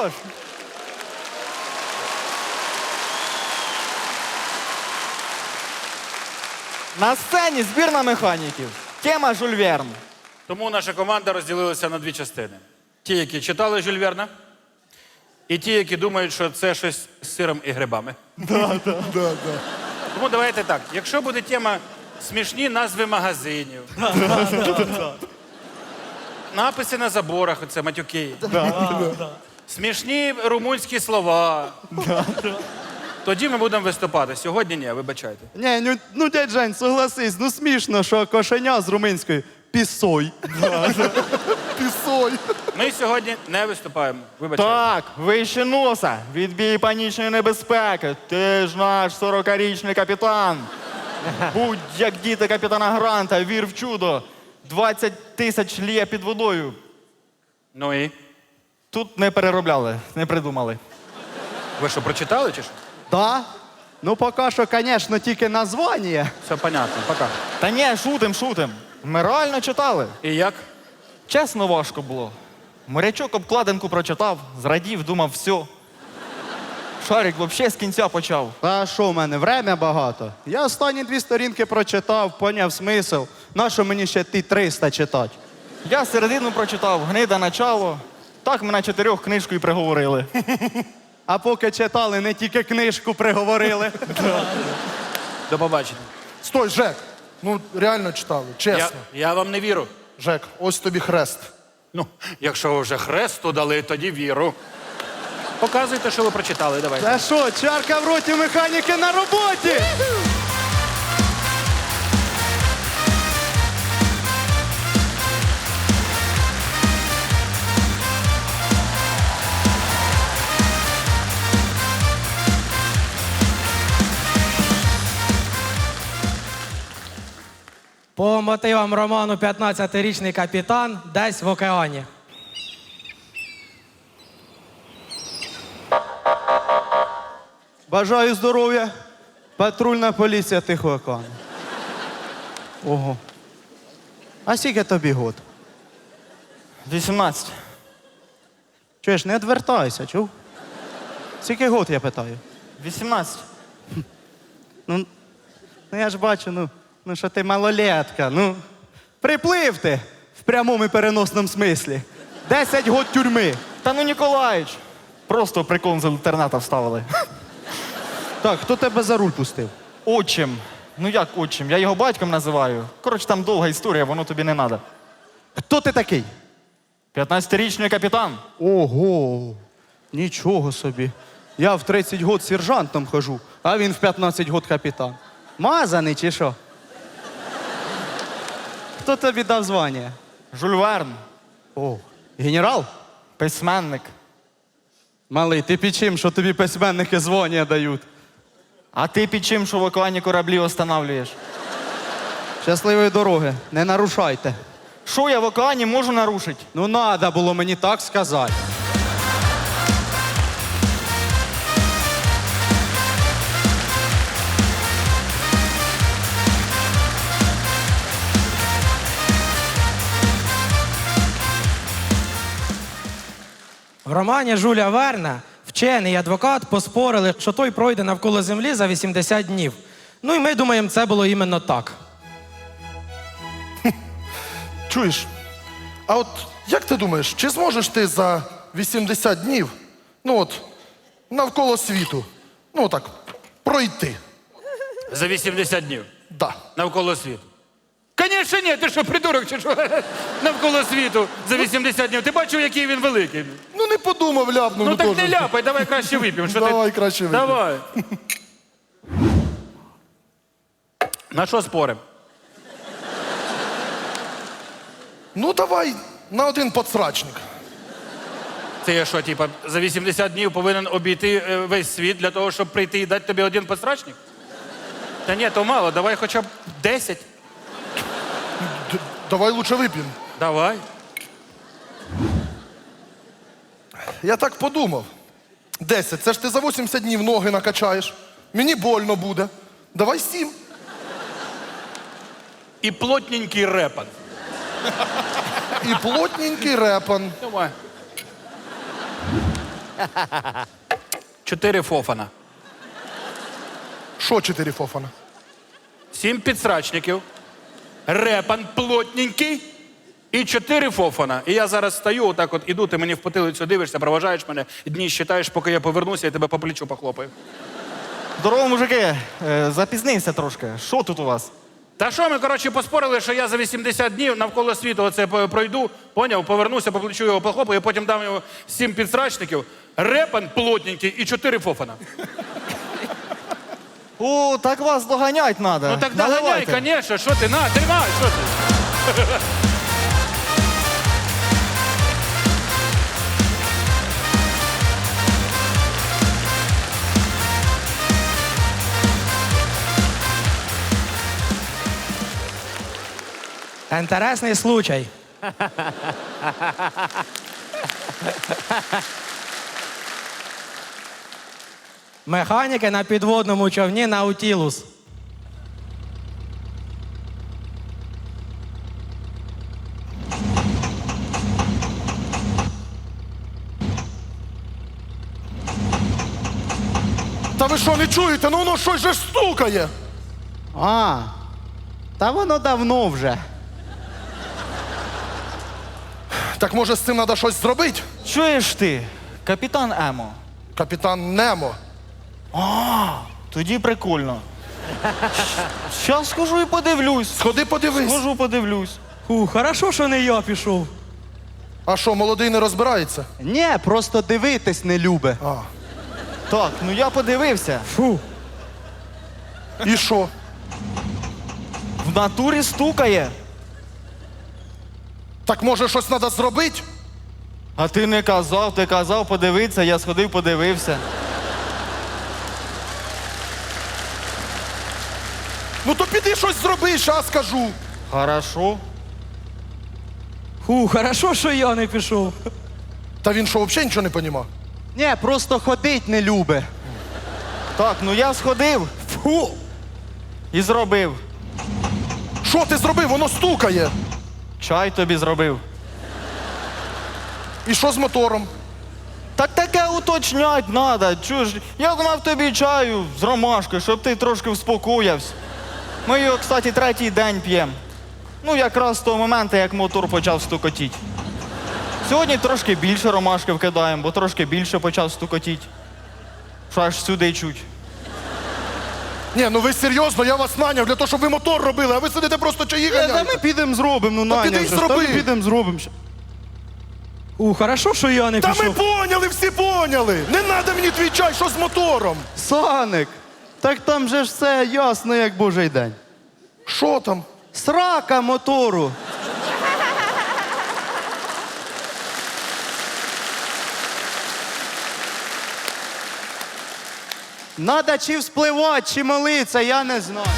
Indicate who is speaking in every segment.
Speaker 1: Хорош. На сцені збірна механіків. Тема Жюль Верн.
Speaker 2: Тому наша команда розділилася на дві частини. Ті, які читали Жюль Верна, і ті, які думають, що це щось з сиром і грибами. Тому давайте так. Якщо буде тема смішні назви магазинів, написи на заборах, оце матюки, смішні румунські слова, тоді ми будемо виступати. Сьогодні ні, вибачайте.
Speaker 3: Ні, ну дядь Жень, согласись, ну смішно, що кошеня з румунської пісой. Пісой.
Speaker 2: Ми сьогодні не виступаємо. Вибачайте.
Speaker 1: Так, вище носа. Відбій панічної небезпеки. Ти ж наш 40-річний капітан. Будь як діти капітана Гранта, вір в чудо. 20 тисяч лє під водою.
Speaker 2: Ну і?
Speaker 1: Тут не переробляли, не придумали.
Speaker 2: Ви що, прочитали чи що?
Speaker 3: Да? Ну поки що, звісно, тільки названня.
Speaker 2: Все понятно, пока.
Speaker 1: Та ні, шутим. Ми реально читали.
Speaker 2: І як?
Speaker 1: Чесно, важко було. Морячок обкладинку прочитав, зрадів, думав, все. Шарик взагалі з кінця почав.
Speaker 3: Та що в мене, время багато. Я останні 2 сторінки прочитав, поняв смисл. Нащо мені ще ті 300 читати?
Speaker 1: Я середину прочитав, гнида начало. Так ми на 4 книжку і приговорили.
Speaker 3: А поки читали, не тільки книжку приговорили.
Speaker 2: До побачення.
Speaker 4: Стой, Жек. Ну, реально читали, чесно.
Speaker 2: Я вам не вірю.
Speaker 4: Жек, ось тобі хрест.
Speaker 2: Ну, якщо ви вже хресту дали, тоді віру. Показуйте, що ви прочитали, давайте.
Speaker 3: Та що, чарка в роті механіки на роботі!
Speaker 5: По мотивам роману «15-річний капітан» десь в океані.
Speaker 3: Бажаю здоров'я. Патрульна поліція Тихого океану. Ого. А скільки тобі год?
Speaker 1: 18.
Speaker 3: Чуєш, не відвертайся, чув? Скільки год, я питаю?
Speaker 1: 18.
Speaker 3: Ну я ж бачу, ну що ти малолетка, ну. Приплив ти в прямому і переносному смислі. 10 год тюрми.
Speaker 1: Та ну, Ніколаїч. Просто прикол з інтернету вставили.
Speaker 3: Так, хто тебе за руль пустив?
Speaker 1: Отчим. Ну як отчим? Я його батьком називаю. Коротше, там довга історія, воно тобі не треба.
Speaker 3: Хто ти такий?
Speaker 1: 15-річний капітан.
Speaker 3: Ого, нічого собі. Я в 30 год сержантом хожу, а він в 15 год капітан. Мазаний чи що? Хто тобі дав звання?
Speaker 1: Жюль Верн.
Speaker 3: О, генерал?
Speaker 1: Письменник.
Speaker 3: Малий, ти під чим, що тобі письменники звання дають?
Speaker 1: А ти під чим, що в океані кораблі останавлюєш?
Speaker 3: Щасливої дороги, не нарушайте.
Speaker 1: Що я в океані можу нарушити?
Speaker 3: Ну, надо було мені так сказати.
Speaker 5: В романі Жюля Верна вчений і адвокат поспорили, що той пройде навколо землі за 80 днів. Ну і ми думаємо, це було іменно так.
Speaker 4: Чуєш? А от як ти думаєш, чи зможеш ти за 80 днів, ну от, навколо світу, ну так, пройти?
Speaker 2: За 80 днів.
Speaker 4: Да.
Speaker 2: Навколо світу. Конечно, ні, ти що, придурок чи що? Навколо світу за 80 днів. Ти бачив, який він великий?
Speaker 4: Ну не подумав, ляпнув.
Speaker 2: Ну так
Speaker 4: теж.
Speaker 2: не ляпай, давай краще вип'ємо. Що
Speaker 4: Давай
Speaker 2: ти...
Speaker 4: краще вип'ємо.
Speaker 2: Давай. На що спорим?
Speaker 4: Ну давай на один подсрачник.
Speaker 2: Це я що, типа, за 80 днів повинен обійти весь світ для того, щоб прийти і дати тобі один посрачник? Та ні, то мало, давай хоча б 10.
Speaker 4: Давай лучше вип'ємо.
Speaker 2: Давай.
Speaker 4: Я так подумав. 10, це ж ти за 80 днів ноги накачаєш. Мені больно буде. Давай 7.
Speaker 2: І плотненький репан.
Speaker 4: І плотненький репан.
Speaker 2: Давай. 4 фофана,
Speaker 4: Що 4 фофана?
Speaker 2: 7 підсрачників, репан плотненький і 4 фофана. І я зараз стою, отак от іду, ти мені в потилицю дивишся, проважаєш мене, дні считаєш, поки я повернуся, я тебе по плечу похлопаю.
Speaker 1: Здорово, мужики. Запізнився трошки. Що тут у вас?
Speaker 2: Та що ми, коротше, поспорили, що я за 80 днів навколо світу оце пройду, поняв, повернуся, по плечу його похлопаю, потім дам йому 7 підсрачників, репан плотненький і 4 фофана.
Speaker 1: О, так вас доганять треба.
Speaker 2: Ну так доганяй, звісно, що ти, на, тримай, що ти?
Speaker 5: Інтересний случай. Механіки на підводному човні Наутілус.
Speaker 4: Та ви що, не чуєте? Ну воно щось же ж стукає.
Speaker 3: А, та воно давно вже.
Speaker 4: Так може з цим треба щось зробити?
Speaker 1: Чуєш ти, капітан Емо?
Speaker 4: Капітан Немо.
Speaker 1: Тоді прикольно. Щас схожу і подивлюсь.
Speaker 4: Сходи подивись.
Speaker 1: Схожу, подивлюсь.
Speaker 5: Хорошо, що не я пішов.
Speaker 4: А що, молодий не розбирається?
Speaker 3: Ні, просто дивитись не любить.
Speaker 4: А.
Speaker 1: Так, ну я подивився.
Speaker 5: Фу.
Speaker 4: І що?
Speaker 1: В натурі стукає.
Speaker 4: Так може щось треба зробити?
Speaker 1: А ти не казав, ти казав подивитися, я сходив, подивився.
Speaker 4: Ну то піди щось зроби, щас скажу.
Speaker 1: Хорошо.
Speaker 5: Хорошо, що я не пішов.
Speaker 4: Та він що, взагалі нічого не понімав?
Speaker 3: Ні, просто ходить не любить.
Speaker 1: Так, ну я сходив. Фу. І зробив.
Speaker 4: Що ти зробив? Воно стукає.
Speaker 1: Чай тобі зробив.
Speaker 4: І що з мотором?
Speaker 1: Так таке уточнять треба. Чуєш, я думав тобі чаю з ромашкою, щоб ти трошки вспокоївся. Ми його, кстати, 3-й день п'ємо. Ну, якраз з того моменту, як мотор почав стукотіти. Сьогодні трошки більше ромашки вкидаємо, бо трошки більше почав стукотіти. Що аж сюди чуть.
Speaker 4: Ні, ну ви серйозно, я вас наняв для того, щоб ви мотор робили, а ви сидите просто чаї
Speaker 3: Та ми
Speaker 4: ганяєте.
Speaker 3: підемо зробимо, ну
Speaker 4: Та
Speaker 3: Наня
Speaker 4: піди й
Speaker 3: вже ж, та
Speaker 4: зроби.
Speaker 3: ми підемо зробимо.
Speaker 5: Хорошо, що я не
Speaker 4: Та ми
Speaker 5: пішов.
Speaker 4: поняли, всі поняли. Не треба мені твій чай, що з мотором?
Speaker 3: Саник, так там же ж все ясно, як божий день.
Speaker 4: Що там?
Speaker 3: Срака мотору. Надо чи вспливати, чи молитися, я не знаю.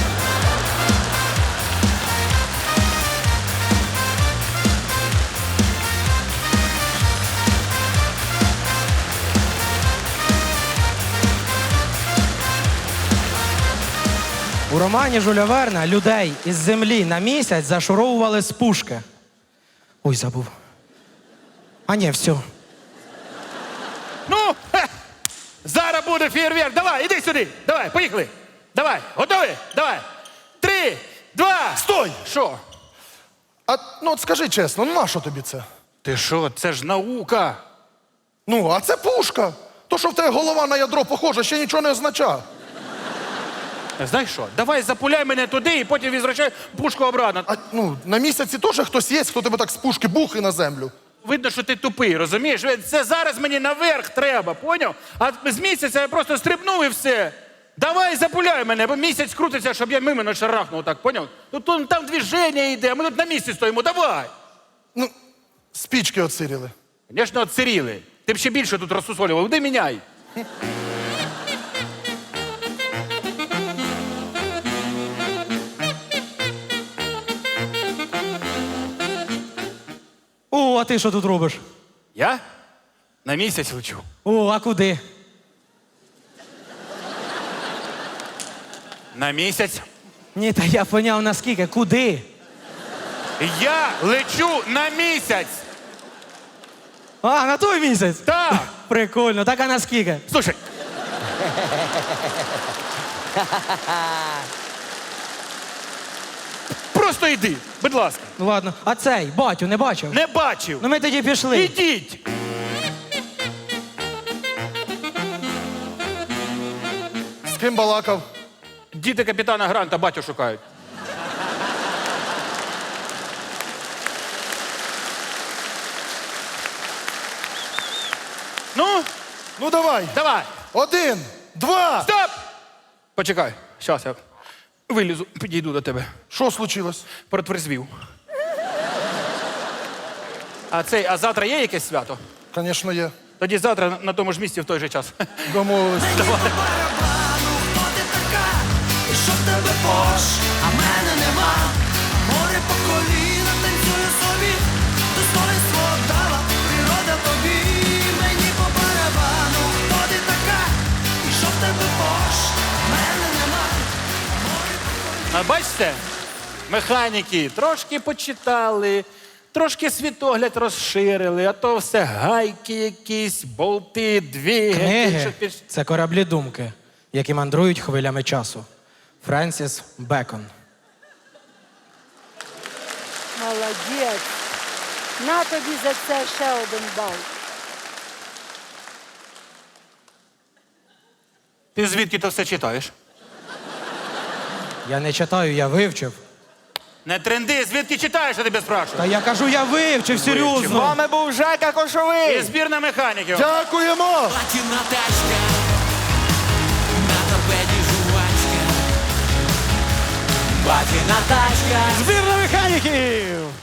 Speaker 5: У романі Жюля Верна людей із землі на місяць зашуровували з пушки. Ой, забув. А ні, все.
Speaker 2: Ну, зараз буде фейерверк. Давай, іди сюди. Давай, поїхали. Давай, готові? Давай. 3, 2.
Speaker 4: Стой!
Speaker 2: Що?
Speaker 4: А ну от скажи чесно, ну нащо тобі це?
Speaker 2: Ти що, це ж наука.
Speaker 4: Ну, а це пушка. То, що в тебе голова на ядро похожа, ще нічого не означає.
Speaker 2: Знаєш що, давай запуляй мене туди і потім відвращай пушку обратно.
Speaker 4: А ну, на місяці теж хтось є, хто тебе так з пушки бухи на землю.
Speaker 2: Видно, що ти тупий, розумієш? Це зараз мені наверх треба, поняв? А з місяця я просто стрибнув і все. Давай запуляй мене, бо місяць крутиться, щоб я мимо не шарахнув, так, поняв? Ну там движення йде, а ми тут на місці стоїмо, давай.
Speaker 4: Ну, спічки оциріли.
Speaker 2: Звісно, отсиріли. Ти б ще більше тут розсусолював. Іди міняй.
Speaker 5: О, а ти що тут робиш?
Speaker 2: Я на місяць лечу.
Speaker 5: О, а куди?
Speaker 2: На місяць.
Speaker 5: Ні, та я поняв наскільки. Куди?
Speaker 2: Я лечу на місяць.
Speaker 5: А, на той місяць?
Speaker 2: Так.
Speaker 5: Прикольно. Так а наскільки?
Speaker 2: Слушай. Просто йди, будь ласка.
Speaker 5: Ну ладно. А цей, батю, не бачив?
Speaker 2: Не бачив.
Speaker 5: Ну ми тоді пішли.
Speaker 2: Ідіть.
Speaker 4: З ким балакав?
Speaker 2: Діти капітана Гранта батю шукають. Ну,
Speaker 4: Ну давай.
Speaker 2: давай.
Speaker 4: 1, 2.
Speaker 2: Стоп! Почекай. Щас я вилізу, підійду до тебе.
Speaker 4: Що случилось?
Speaker 2: Протверзвів. А завтра є якесь свято?
Speaker 4: Звісно, є.
Speaker 2: Тоді завтра на тому ж місці в той же час.
Speaker 4: Домовились.
Speaker 6: барабану, хто ти така? І що в тебе пош, а мене нема. Море по коліна танцює собі, достоинство дала природа тобі. Мені по барабану, хто ти така? І що в тебе пош, а мене нема.
Speaker 2: А бачите, механіки трошки почитали, трошки світогляд розширили, а то все гайки якісь, болти, двигатель.
Speaker 5: Книги – це кораблі думки, які мандрують хвилями часу. Френсіс Бекон.
Speaker 7: Молодець. На тобі за це ще один бал.
Speaker 2: Ти звідки то все читаєш?
Speaker 5: Я не читаю, я вивчив.
Speaker 2: Не тренди, звідки читаєш, я тебе спрашую?
Speaker 5: Та я кажу, я вивчив,
Speaker 1: З
Speaker 5: серйозно.
Speaker 1: вами був Жека
Speaker 2: І
Speaker 1: Кошовий.
Speaker 2: збірна механіків.
Speaker 4: Дякуємо!
Speaker 6: Платіна тачка, на торпеді жувачка. Платіна тачка.
Speaker 5: Збірна механіків!